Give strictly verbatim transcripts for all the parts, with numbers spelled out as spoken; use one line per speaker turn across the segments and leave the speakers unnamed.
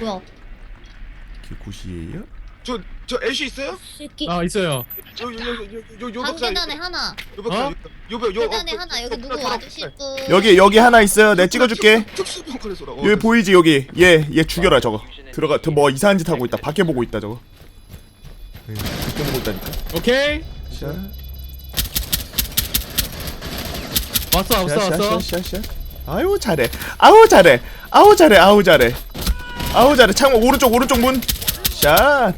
뭐야?
기구시에요?
저, 저 애쉬 있어요?
새끼.
아 있어요.
요요요요요
방 계단에 하나.
요 벽사
어?
요벽 요
계단에 하나. 여기 누구 와주실 분?
여기 여기 하나 있어요. 내가 찍어줄게.
특수병칼에 쏘라.
여기 보이지 여기. 얘 얘 죽여라 저거. 들어가. 뭐 이상한 짓 하고 있다. 밖에 보고 있다 저거. 네, 밖에 보고 있다니까.
오케이.
샤.
왔어 왔어 왔어.
샤샤샤샤. 아유 잘해. 아우 잘해. 아우 잘해. 아우 잘해. 아우 잘해. 창문 오른쪽 오른쪽 문. 샷.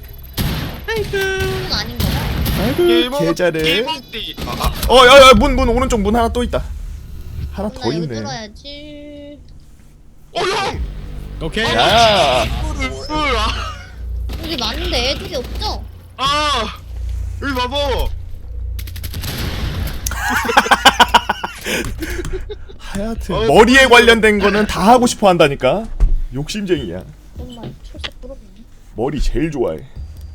그건 아닌 거야?
아이고 개 잘해.
개먹띠. 아, 아.
어, 야, 야, 문, 문, 오른쪽 문 하나 또 있다. 하나 더
나 여기
있네.
뚫어야지.
어 형.
오케이.
야,
이거를 을 아.
여기 많은데 애들이 없죠?
아. 여기 봐봐.
하여튼
어,
머리에 관련된 거는 다 하고 싶어 한다니까. 욕심쟁이야.
정말 철새 부럽네.
머리 제일 좋아해.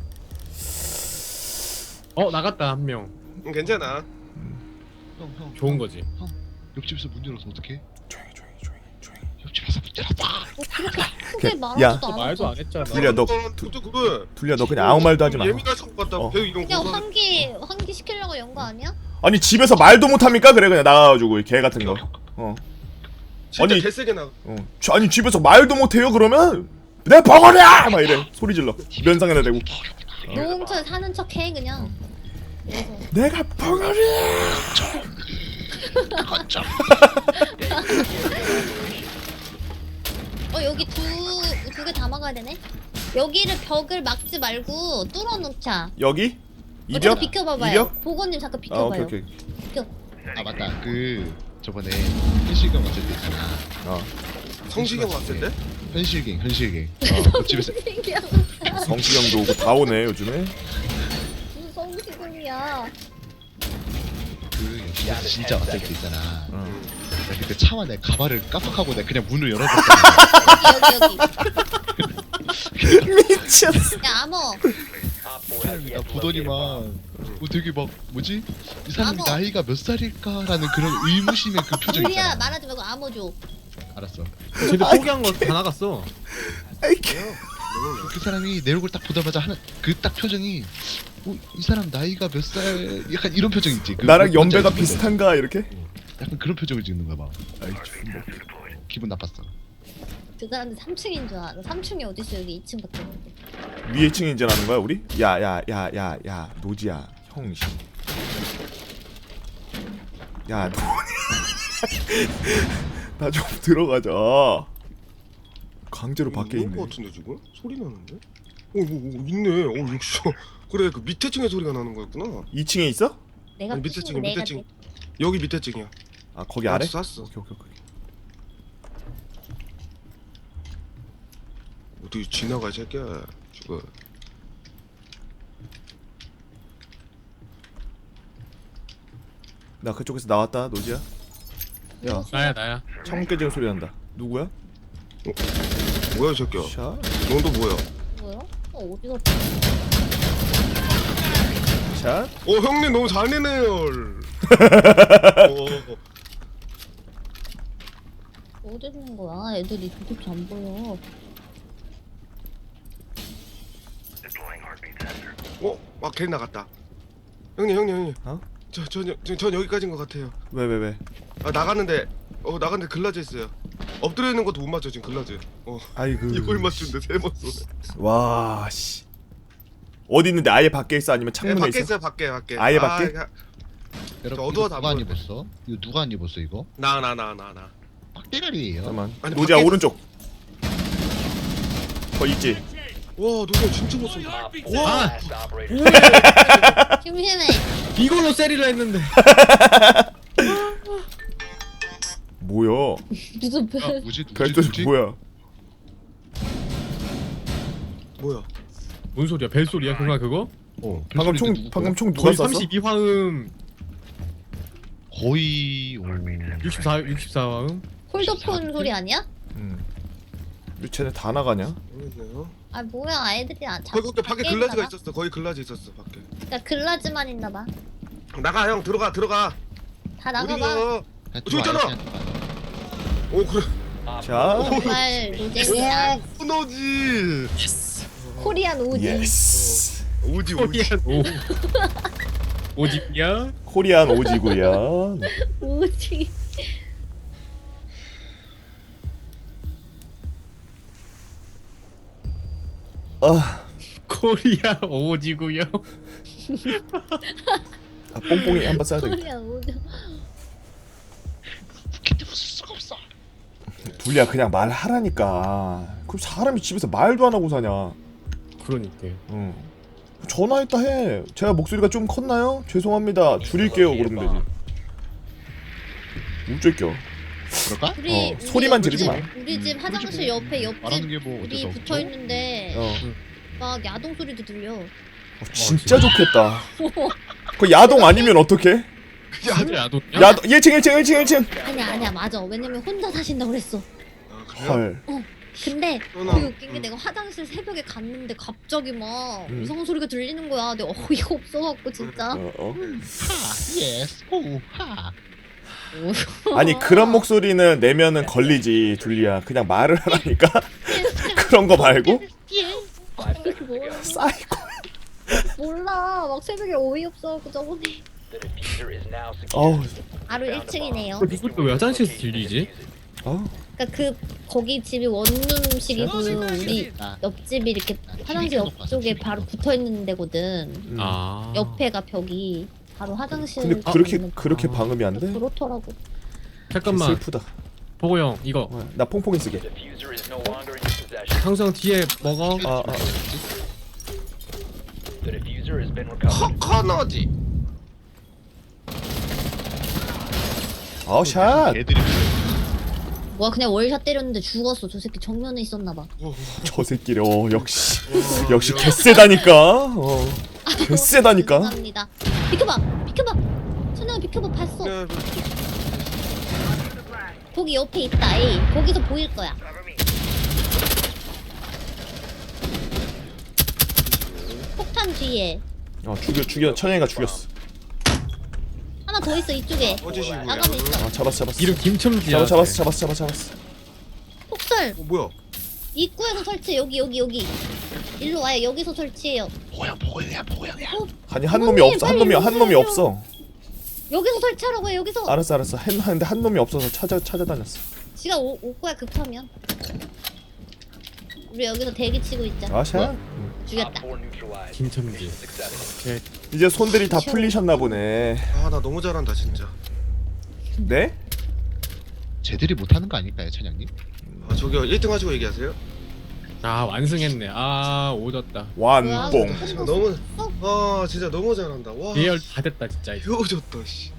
어 나갔다 한 명.
응, 괜찮아.
형, 형,
좋은 거지.
형, 옆집에서 문 열어서 어떡해?
조용히, 조용히, 조용히, 조용히.
옆집에서 문 열었다.
뭐 그렇게 크게
야.
말하지도
어,
않았어.
말도 안 했잖아.
둘이야, 너
두, 두, 그래.
둘리야, 너 그냥 아무 말도 하지 마.
예민하신 것 같다.
어.
배우 이런
그냥
거.
환기 환기 시키려고 연 거 아니야?
아니 집에서 말도 못 합니까? 그래 그냥 나가가지고 개 같은 거. 어,
진짜
아니.
개세게 나.
어. 저- 아니 집에서 말도 못 해요? 그러면 내 벙어리야! 막 이래. 소리 질러. 면상에다 대고.
노홍철 사는 척 해 그냥. 그래서
내가 벙어리야!
어 여기 두 두 개 다 막아야 되네. 여기를 벽을 막지 말고 뚫어놓자.
여기?
어,
이벽?
잠깐 비켜봐봐요.
이벽?
보건님 잠깐
아,
비켜봐요.
오케이 오케이.
비켜.
아 맞다. 그 저번에 현실경 왔을 때 있잖아.
어.
성시경 왔을 때?
현실경, 현실경. 어, 옆집에서
성시경도 오고 다 오네 요즘에.
무슨 성시경이야.
그 옆집에서 진짜 왔을 때 있잖아.
어.
내가 그때 차와 내 가발을 깜빡하고 내가 그냥 문을 열어줬잖아.
여기 여기 여기.
미쳤어.
야 암호.
사람이 나 보더니만 뭐 되게 막 뭐지? 이 사람이
암호.
나이가 몇 살일까라는 그런 의무심의 그 표정
우리야
있잖아.
말하지 말고 암호 줘.
알았어.
쟤들 포기한 거 다 나갔어.
아이 개.
그 사람이 내 얼굴 딱 보자마자 하는 그 딱 표정이 어, 이 사람 나이가 몇 살? 약간 이런 표정 있지. 그
나랑
뭔지
연배가
알지?
비슷한가 이렇게?
약간 그런 표정을 짓는 거야 막.
아이 좀
기분 나빴어.
그 사람들 삼 층인 줄 알아. 삼 층이 어딨어 여기 이 층밖에 없는데.
위에 층에 이제 나는 거야 우리? 야야 야 야 야 노지야 형신. 야 너. 나 좀 들어가자. 강제로 밖에
있는
있네.
거 같은데 지금? 소리 나는데? 어, 뭐, 뭐 있네. 어, 역시. 그래, 그 밑에 층에 소리가 나는 거였구나.
이 층에 있어?
내가
아니, 밑에
층,
층에, 밑에
내가
층. 여기 밑에 층이야.
아 거기 아래?
쐈어.
오케이 오케이 오케이.
어디 지나가 이 새끼야. 죽어.
나 그쪽에서 나왔다 노지야. 야
나야 나야.
창문 깨지는 소리 난다. 누구야?
뭐야 이 새끼야.
샤.
너도 뭐야?
뭐야? 어 어디가?
샷.
어 형님 너무 잘 내네요. 어,
어디 있는 거야? 애들이 도대체 안 보여.
어? 막 걔 나갔다. 형님 형님 형님.
어?
저전 저, 전 여기까지인 것 같아요.
왜 왜 왜?
아 나갔는데 어 나갔는데 글라즈 있어요. 엎드려 있는 것도 못 맞춰 지금 글라즈. 어
아이고.
이걸 맞춘데 세 번 쏘네.
와 씨. 어디 있는데 아예 밖에 있어 아니면
네,
창문에
밖에
있어?
있어요 밖에 밖에.
아예 밖에?
아,
여러분
어두워
이거
다
누가 안
보여.
입었어? 이거 누가 안 입었어 이거?
나 나 나 나 나.
빡대가리예요.
잠깐만.
아니,
노지야
밖에
오른쪽. 거 있지?
와 너네 진짜 못 쏜다. 와.
아
심심해.
이걸로 세리를 했는데.
뭐야?
무슨
아,
별?
뭐지? 누구지?
별뜻
누구지?
뭐야?
뭐야?
뭔 소리야? 벨 소리야? 그거 그거?
어,
방금
별소리인데
총
누구
방금
거야?
총 누가
거의
쐈어?
삼십이 화음,
거의 오...
육십사, 육십사 화음.
폴더폰 소리 아니야?
음. 왜 쟤네 다 나가냐?
모르겠네요.
아 뭐야 애들이 안
거기 거기 밖에
밖에
글라즈가
있나 봐?
있었어. 거기 글라즈 있었어 밖에.
그러니까 글라즈만 있나 봐.
나가 형 들어가 들어가.
다 나가봐.
어디가?
그냥
저기 있잖아.
들어와, 그냥 들어와.
오 그래.
자,
정말 노잼이야.
오너지.
코리안 오지.
예스.
오지 오지.
코리안 오. 오집이야?
코리안 오지구요.
오지.
아,
코리안 오지구요.
아 뽕뽕이 한번 써야 되겠다.
코리안 오지.
근데 웃을 수가 없어.
둘리야 그냥 말하라니까. 그럼 사람이 집에서 말도 안 하고 사냐?
그러니까.
응. 전화했다 해. 제가 목소리가 좀 컸나요? 죄송합니다. 줄일게요. 그러면 되지. 우쭐겨.
그럴까?
우리
어,
우리
소리만
우리
지르지
집-
마.
우리 집 화장실 옆에
말하는
옆집
게 뭐
우리
어때서?
붙어 있는데
어.
막 야동 소리도 들려.
어, 진짜 좋겠다. 그 야동 아니면 어떡해?
진짜 야동.
야동 일 층 일 층 일 층 일 층.
아니야 아니야 맞아. 왜냐면 혼자 사신다고 그랬어.
아, 그래요?
헐.
근데
끊어.
되게 웃긴 게
응.
내가 화장실 새벽에 갔는데 갑자기 막
음.
이상한 소리가 들리는 거야. 내가 어이가 없어갖고 진짜.
어, 어.
하 예스 오 하.
아니 그런 목소리는 내면은 걸리지 둘리야. 그냥 말을 하라니까. 그런 거 말고
뭐,
사이코.
몰라. 막 새벽에 어이없어갖고 저번에.
어우.
바로 일 층이네요.
이것도 왜 화장실에서 들리지?
어.
그러니까 그 거기 집이 원룸식이고 우리
아,
옆집이 이렇게 화장실
켜놓고 왔어,
옆쪽에
티비
바로
켜놓고.
붙어 있는 데거든.
음.
아.
옆에가 벽이 바로 화장실.
근데 그렇게
있는
그렇게
아.
방음이 안 돼?
그렇더라고.
잠깐만.
슬프다.
보고 형 이거
어, 나 퐁퐁이 쓰게.
항상 뒤에 먹어.
아, 아.
커커너지.
아, 샷.
애들이
뭐야 그냥 월샷 때렸는데 죽었어. 저 새끼 정면에 있었나봐.
저 새끼래. 어, 역시 역시 개쎄다니까. 어. 개쎄다니까.
죄송합니다. 비켜봐, 비켜봐. 천영아 비켜봐. 봤어.
네,
거기 옆에 있다. 에이, 거기서 보일 거야. 폭탄 뒤에
어, 죽여 죽여 천영이가 죽였어.
하나 더 있어 이쪽에.
꺼지시고요.
나가면 있어.
아, 잡았어 잡았어.
이름 김첨지야.
잡았어 잡았어 잡았어 잡았어 잡았어.
폭설
어 뭐야?
입구에서 설치. 여기 여기 여기. 일로 와요. 여기서 설치해요.
뭐야 뭐야 뭐야.
아니 한 놈이 없어. 한 놈이 한 놈이 없어.
여기서 설치하라고 해. 여기서.
알았어 알았어. 한 하는데 한 놈이 없어서 찾아 찾아다녔어.
지가 오, 올 거야 급하면. 우리 여기서 대기 치고 있자.
아, 샷.
죽였다.
김첨지. 오케이.
이제 손들이 다 풀리셨나 보네.
아 나 너무 잘한다 진짜.
네?
쟤들이 못하는 거 아닐까요, 찬양님?
아 저기요 일 등 하시고 얘기하세요.
아 완승했네. 아 오졌다.
완봉.
아, 너무 아 진짜 너무 잘한다. 와.
예열 다 됐다 진짜. 이거.
배워졌다 씨.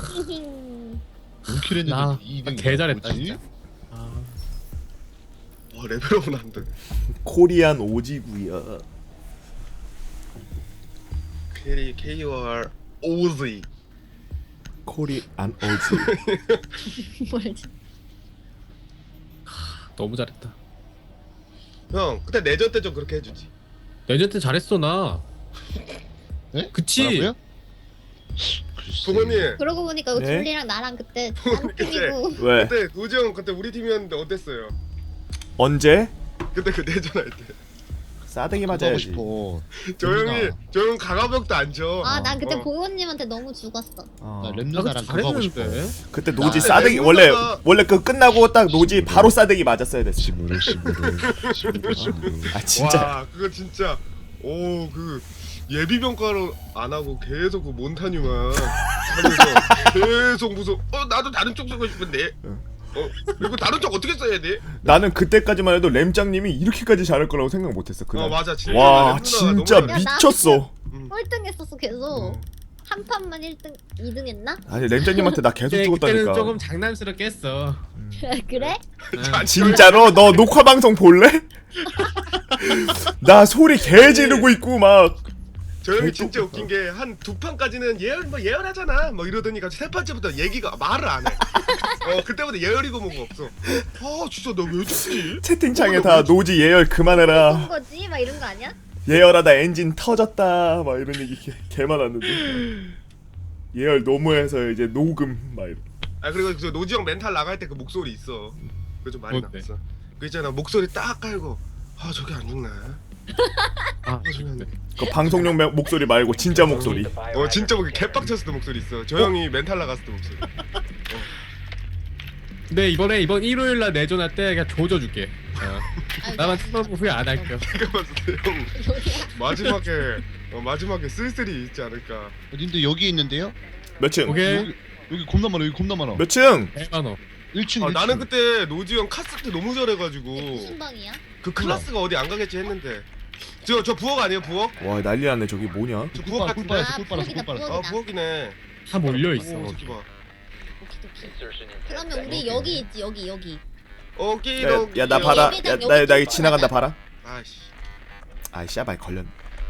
원킬 했는데
나-
이
나
등
개 잘했다, 진짜. 아.
와 레벨업은 안 돼.
코리안 오지구야.
K K R O Z.
코리안 오지.
뭐지?
너무 잘했다.
형 그때 내전 때 좀 그렇게 해주지.
내전 때 잘했어 나.
네?
그치?
뭐라고요? 글쎄.
부모님
그러고 보니까
네?
줄리랑 나랑 그때 딴 팀이고.
왜?
그때 노지 형 그때 우리 팀이었는데 어땠어요?
언제?
그때 그 내전할 때.
싸대기
그거 하고
맞아야지.
싶어.
저 형이 저 형 강화벽도 안 쳐.
아 난 그때
어.
보현님한테 너무 죽었어.
어.
나
나
렘누나랑
그때
그거 하고 싶어.
잘했는데.
그때 노지
나
싸대기
lemon
원래
하나-
원래 그 끝나고 딱 노지 바로 싸대기 맞았어야 됐어.
시무르 시무르 시무르 시무르.
아 진짜.
와 그거 진짜 오 그 예비 평가로 안 하고 계속 그 몬타뉴만 하면서 계속 무슨 어 나도 다른 쪽 쓰고 싶은데 어 그리고 다른 쪽 어떻게 써야 돼?
나는 그때까지만 해도 램장님이 이렇게까지 잘할 거라고 생각 못했어. 그날.
어 맞아 진짜
와
렘누나가
진짜
너무 잘해.
미쳤어.
음.
꼴등 했었어 계속.
음.
한 판만 일 등, 이 등 했나?
아니 램장님한테 나 계속
그때, 그때는
죽었다니까.
조금 장난스럽게 했어.
그래?
응.
진짜로 너 녹화 방송 볼래? 나 소리 개 지르고 있고 막.
저 형이
개
진짜
똑-
웃긴 게 한 두 판까지는 예열 뭐 예열하잖아 뭐 이러더니 갑자기 세 판째부터 얘기가 말을 안 해. 어 그때부터 예열이고 뭐가 없어. 아 진짜 너 왜 죽지?
채팅창에 다 노지 예열
본
그만해라.
거지? 막 이런 거 아니야?
예열하다 엔진 터졌다 막 이런 얘기 개, 개 많았는데. 예열 너무해서 이제 녹음 막 이런.
아 그리고 그 노지 형 멘탈 나갈 때 그 목소리 있어. 그거 좀 많이
뭔데?
나왔어. 그 있잖아 목소리 딱 깔고 아 저게 안 죽나?
아,
아 저게 안 죽나?
그 방송용 매- 목소리 말고 진짜 목소리.
어 진짜 뭐 개빡쳤을 때 목소리 있어. 저 형이 멘탈 나갔을 때 목소리.
근데 이번에 이번 일요일 날 내전할 때 그냥 조져줄게. 어.
아유,
나만
나-
스마트 후회 안 할게요.
내가 봤을 때 형
여기야.
마지막에 어, 마지막에 쓸쓸히 있지 않을까.
어딘데 여기 있는데요?
몇 층?
오케이.
여기 여기 겁나 많아. 여기 겁나 많아.
몇 층?
백만 원.
일 층.
아,
일 층.
나는 그때 노지 형 카스 때 너무 잘해가지고
이게 무슨 방이야?
그 클래스가 어디 안 가겠지 했는데 저 저 부엌 아니에요 부엌?
와 난리 났네 저기 뭐냐?
저
꿀
부엌
빨았어. 꿀
같은데?
빨았어.
아,
꿀 빨았어. 꿀
부엌이다,
빨았어.
아
부엌이다.
부엌이네.
다 몰려 있어.
오 새끼 봐.
오키도키. 그러면 우리 여기 있지 여기 여기.
오키도.
야 나 봐라. 야나나 나 지나간다 봐라.
아씨.
아이 씨발 걸렸.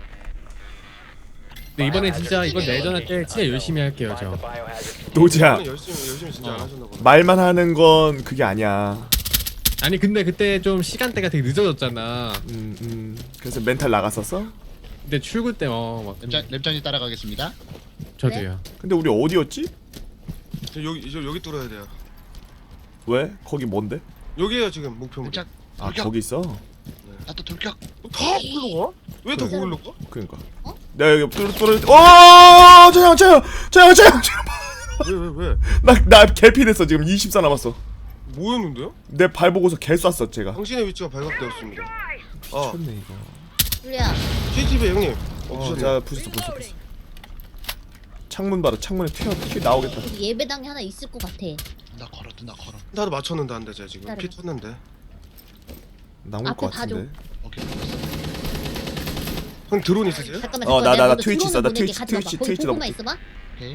근데 이번에 진짜 이번 내전할 때 진짜 열심히 할게요 저.
노지야
이번엔 열심히 열심히 진짜 안
어.
하셨나 보네.
말만 하는 건 그게 아니야.
아니 근데 그때 좀 시간대가 되게 늦어졌잖아.
음, 음. 그래서 멘탈 나갔었어?
근데 출근 때어막
랩장 랩장이 따라가겠습니다.
저도요.
근데 우리 어디였지?
저 여기 저 여기 뚫어야 돼요.
왜? 거기 뭔데?
여기에요 지금 목표물.
랩장.
아
돌격.
거기 있어?
나또 돌격.
다 거기로 가? 왜 다 거기로 가?
그러니까.
어?
내가 여기 뚫어 뚫어. 오! 저형 저형 저형 저형
왜 왜 왜?
나나 개피됐어 지금 이십사 남았어.
뭐였는데요?
내 발 보고서 개 쐈어 제가.
당신의 위치가 발각되었습니다. 아
미쳤네 이거.
줄리야.
씨씨티비 형님. 어,
어,
부셨네.
자 부셨어 부셨어 부셨어. 창문 봐라 창문에 튀어 튀 나오겠다.
우리 예배당에 하나 있을 것 같아.
나 걸어. 나 걸어.
나도 맞췄는데 안 돼, 쟤 지금.
기다려봐.
피 쳤는데.
나올
앞에
것
봐줘.
같은데.
오케이.
형 드론 있으세요?
잠깐만
어,
잠깐만.
나, 나,
내가
나
먼저
트위치 있어, 나
들어오는 분에게
트위치,
가지 마봐.
트위치,
거기
트위치
보고만
넣어볼게.
있어봐.
오케이.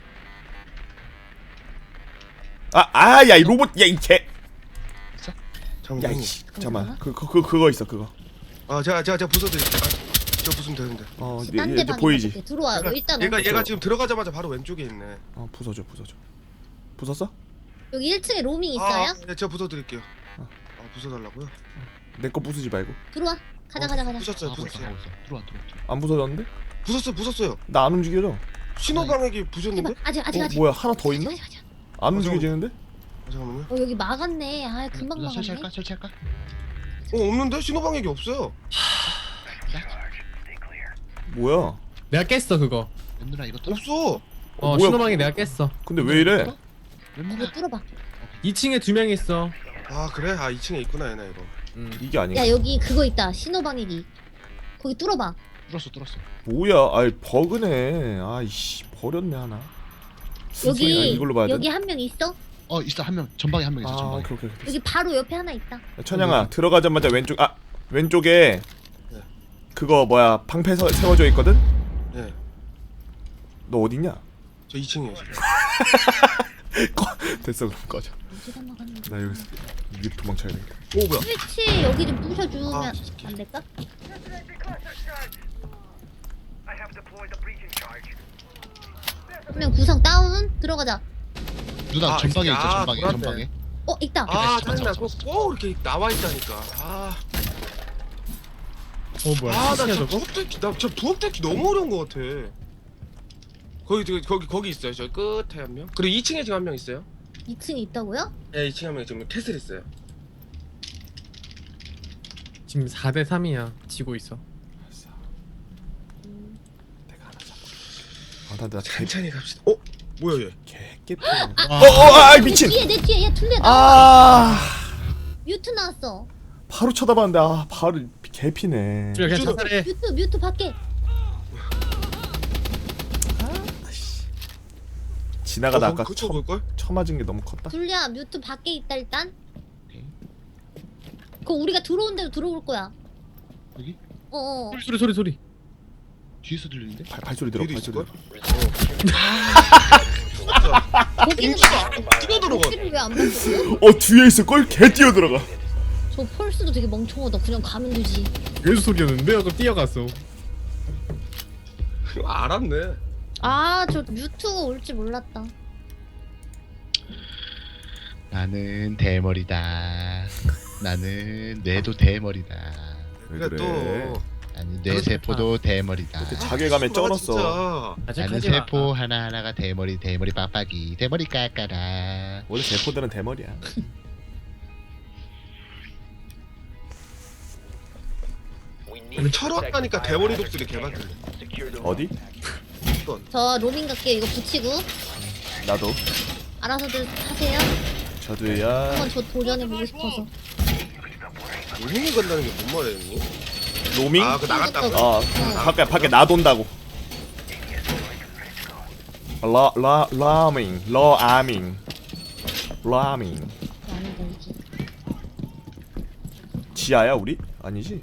아, 아, 야, 이 로봇, 야, 이 개,
잠깐만.
야,
형님.
이씨, 잠깐만, 그, 그, 그, 그거 있어, 그거.
아, 제가 제가 제가 부숴드릴게요. 아, 저 부수면 되는데.
어, 얘,
딴
얘,
데
이제
방에
보이지?
가볼게. 들어와. 너 일단
얘가
어.
얘가 지금 들어가자마자 바로 왼쪽에 있네.
어, 부숴줘, 부숴줘. 부쉈어?
여기 일 층에 로밍 있어요?
아, 네, 제가 부숴드릴게요.
어.
아, 부숴달라고요?
내 거 부수지 말고.
들어와. 가자
어,
가자 가자.
부쉈어요,
하고 있어.
부쉈어요.
하고 있어. 들어와 들어와. 들어와.
안 부서졌는데?
부쉈어요, 부쉈어요.
나 안 움직여져.
신호방해기
해봐.
부셨는데?
아직 아직
어,
아직.
뭐야, 하나 더 있나?
아직, 아직, 아직.
안
어,
움직여지는데?
아, 잠깐만요.
어 여기 막았네. 아 금방
누나
막았네.
설치할까? 설치할까?
어, 없는데? 신호방해기 없어요.
뭐야?
내가 깼어 그거.
랩누나 이거 뚫어.
없어.
어
뭐야?
신호방이 내가 깼어.
근데 왜 이래?
이거
랩누나.
뚫어봐.
이 층에 두 명 있어.
아, 그래? 아, 이 층에 있구나, 얘네 이거.
음.
이게 아닌가?
야 여기 그거 있다. 신호방해기. 거기 뚫어봐.
뚫었어 뚫었어.
뭐야? 아이, 버그네. 아이씨, 버렸네, 하나. 아,
여기
이걸로 봐야 돼?
여기 한 명 있어?
어 있어 한 명. 전방에 한 명 있어.
아,
전방에.
그렇게, 그렇게.
여기 바로 옆에 하나 있다.
야, 천양아, 들어가자마자 왼쪽, 아, 왼쪽에
네.
그거 뭐야, 방패 서, 세워져 있거든?
네.
너 어딨냐?
저 이 층이에요, 지금.
꺼. 됐어, 그럼 꺼져.
어디다 막았는데?
나 여기서 이 도망쳐야 돼.
오, 뭐야?
스위치 여기 좀 부셔주면
아, 진짜.
안 될까? 한 명 구상 다운 들어가자.
누나
아,
전방에
아,
있어. 전방에
돌았네.
전방에.
어 있다.
아,
잡았어,
짜증나.
잡았어.
꼭, 꼭 이렇게 나와 있다니까. 아,
어 뭐야?
아,
시야
나저
저거?
부엌 뚫기, 나저 부엌 뚫기 너무 어려운 것 같아. 거기 저기 거기 거기 있어요. 저 끝에 한 명. 그리고 이 층에 지금 한 명 있어요.
이 층에 있다고요?
네, 이 층에 한 명 지금 캐슬 있어요.
지금 사 대 삼이야. 지고 있어.
내가 하나 잡고. 아, 나, 나 개,
천천히 갑시다. 어, 뭐야 얘?
개, 깨.
아,
어, 어, 아, 미친!
내 뒤에 내 뒤에 야 둘레 나.
아,
뮤트 나왔어.
바로 쳐다봤는데, 아, 바로 개피네.
그래 그냥
쭈르.
자살해.
뮤트 뮤트 밖에.
지나가다 아까
그쵸
쳐,
볼걸?
쳐맞은 게 너무 컸다.
둘리야 뮤트 밖에 있다 일단.
오케이.
그거 우리가 들어온 대로 들어올 거야.
여기
어. 어.
소리 소리 소리.
뒤에서 들리는데?
발, 발소리 들어,
뒤에도
발소리
있을걸?
들어.
거기는
뛰어 들어가.
거기를 왜안 봤어?
어, 뒤에 있을걸? 개 뛰어 들어가.
저 펄스도 되게 멍청하다. 그냥 가면 되지.
괴수 소리였는데 아까 뛰어갔어.
알았네.
아 저 뮤트가 올지 몰랐다.
나는 대머리다. 나는 뇌도 대머리다.
왜
그래
그래?
또.
나는 뇌 세포도 대머리다.
그때 자괴감에 쩔었어.
진짜.
나는 세포 하나 하나가 대머리 대머리 빡빡이 대머리 깎아라.
원래 세포들은 대머리야.
근데 철없다니까 대머리 독수리 개많던데.
어디?
저 로밍 갈게요. 이거 붙이고
나도.
알아서들 하세요.
저도야.
한번 저 도전해보고 싶어서.
로밍이 간다는 게 뭔 말이야?
로밍?
아, 그 나갔다고?
어, 밖에 밖에 놔돈다고. 라, 라, 라밍, 러아밍, 라밍.
아니다 이게.
지하야 우리? 아니지?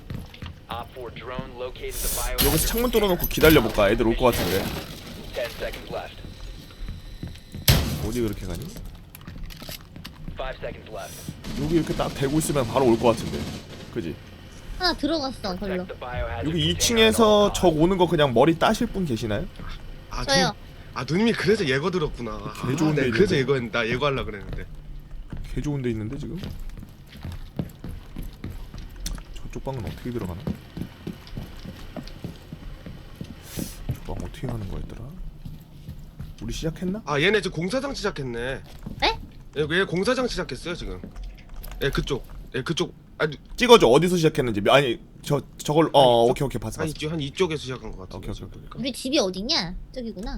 여기서 창문 뚫어놓고 기다려볼까? 애들 올 것 같은데. 어디 그렇게 가니? 여기 이렇게 딱 대고 있으면 바로 올 것 같은데. 그지?
하나 들어갔어 별로.
여기 이 층에서 적 오는 거 그냥 머리 따실 분 계시나요?
아,
저요.
누, 아 누님이 그래서 예거 들었구나. 아,
개 좋은 데
네, 그래서
있는데.
예거 나 예거하려 그랬는데.
개 좋은 데 있는데 지금? 저쪽 방은 어떻게 들어가나? 저방 어떻게 가는 거였더라? 우리 시작했나?
아 얘네 지금 공사장 시작했네.
에?
얘, 얘 공사장 시작했어요 지금. 예 그쪽. 예 그쪽. 아니
찍어줘 어디서 시작했는지. 아니 저 저걸 어 오케이 오케이 봤어
한
봤어.
이쪽 한 이쪽에서 시작한 것 같아.
오케이 오케이 오케이.
우리 집이 어딨냐? 저기구나.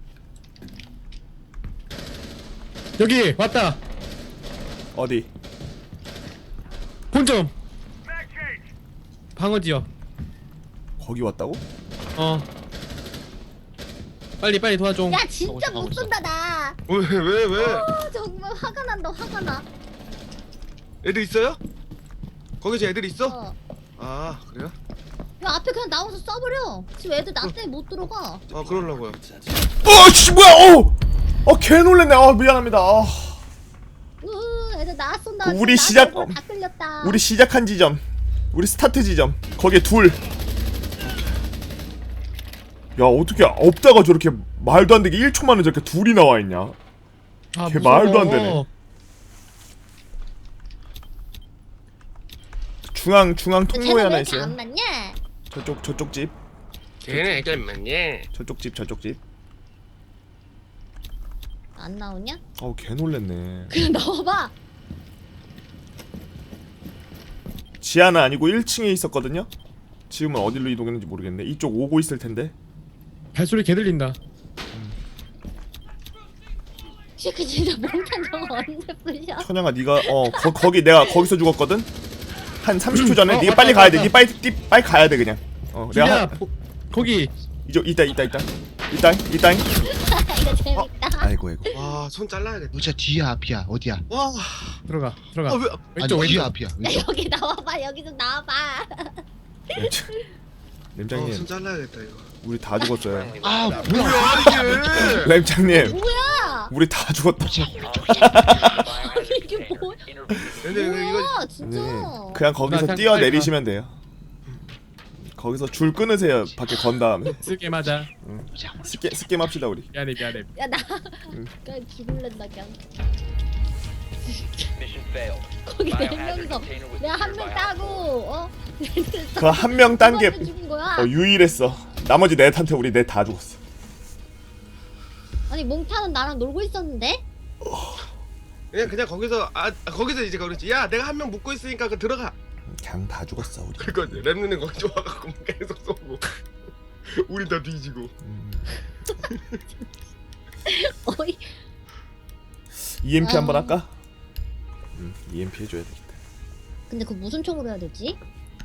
여기 왔다.
어디?
본점. 방어 지역.
거기 왔다고?
어. 빨리 빨리 도와줘.
야 진짜
가고
못
있어.
쏜다 나.
왜왜 왜? 왜?
아, 정말 화가 난다 화가 나.
애들 있어요? 거기서 애들 있어?
어.
아 그래요?
야 앞에 그냥 나와서 쏴버려. 지금 애들 나 때문에 못 들어가.
아 그러려고요.
어씨 뭐야? 어! 어개 놀랬네. 아 미안합니다. 아,
으 애들 나 쏜다.
그 우리
지금
시작-
나 다 끌렸다.
우리 시작한 지점, 우리 스타트 지점. 거기에 둘. 야 어떻게 없다가 저렇게 말도 안 되게 일 초 만에 저렇게 둘이 나와 있냐?
아,
걔
무서워.
말도 안 되네. 중앙 중앙 통로에
쟤는 왜
하나
이렇게
있어요.
안 맞냐?
저쪽 저쪽 집,
걔네 잠깐만요.
저쪽 집, 저쪽 집.
안 나오냐?
어우 개 놀랬네.
그냥 나와봐.
지하는 아니고 일 층에 있었거든요. 지금은 어디로 이동했는지 모르겠네. 이쪽 오고 있을 텐데.
발소리 개 들린다.
그 진짜 몽탄 저거 언제 부셔?
천양아 네가 어 거, 거기 내가 거기서 죽었거든. 한 삼십 초 전에
어,
네가
맞다,
빨리 가야 돼.
맞다.
네 빨리 뛰, 빨리 가야 돼 그냥. 어 내가
주야
한,
거기.
이저 이따 이따 이따 이따 이따.
이거 재밌다.
아이고 아이고.
와 손 잘라야겠다.
너자 뒤야 앞이야 어디야?
와.
들어가 들어가.
아 왜?
왼쪽
아니 뒤야
왼쪽.
앞이야.
야
왼쪽.
여기 나와봐. 여기 좀 나와봐.
램장님
어손 잘라야겠다 이거.
우리 다 죽었어요.
아 뭐야?
뭐야 이게?
램장님
뭐야?
우리 다 죽었다.
이게 뭐야?
근데 이거 이거
뭐야 진짜?
네 그냥 거기서
그냥
뛰어
빨리
내리시면 돼요. 거기서 줄 끊으세요. 밖에 건 다음에.
쓸게 맞아.
스게 스게 합시다 우리.
미안해 미안해.
야나
응.
그냥 죽을랜다 그냥. 거기 네 명이서 내가 한 명 따고 어?
그 한 명 딴 게
죽은 거야.
어, 유일했어. 나머지 넷한테 우리 넷 다 죽었어.
아니 몽타는 나랑 놀고 있었는데?
그냥 그냥 거기서 아 거기서 이제 그렇지. 야 내가 한 명 묶고 있으니까 그 들어가.
그냥 다 죽었어 우리.
그러니까 랩눈은 거기 좋아갖고 계속 쏘고 우리 다 뒤지고.
음.
어이.
이엠피
아.
한번 할까? 음, 이엠피 해줘야 되겠다.
근데 그 무슨 총으로 해야 되지?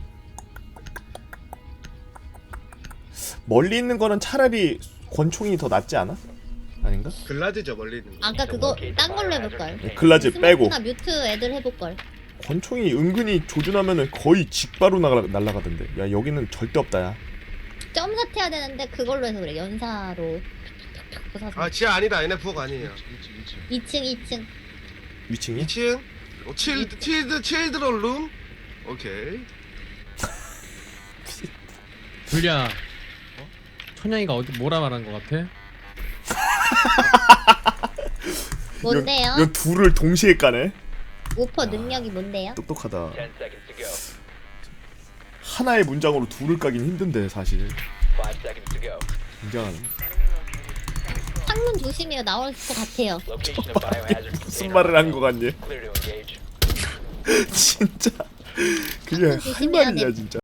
멀리 있는 거는 차라리 권총이 더 낫지 않아? 아닌가?
글라즈죠 멀리 있는 거.
아까 그거 딴 걸로 해볼걸.
네, 글라즈 빼고
스모크나 뮤트 애들 해볼걸.
권총이 은근히 조준하면은 거의 직바로 나가, 날아가던데. 야 여기는 절대 없다 야.
점사트 해야 되는데 그걸로 해서 그래. 연사로. 부사서.
아 지하 아니다. 얘네 부엌 아니에요.
일찍 일찍.
이 층 이 층.
위층이?
이 층. 어, 칠드 칠드 칠드런 룸. 오케이.
줄리야. 어? 천양이가 어디 뭐라 말한 것 같아?
뭔데요?
이 둘을 동시에 까네.
오퍼 능력이 뭔데요?
똑똑하다. 하나의 문장으로 둘을 까긴 힘든데 사실. 굉장하네.
창문 조심해요. 나올 것 같아요.
무슨 말을 한 거 같니? 진짜 그게 할
조심해야
말이냐
돼.
진짜.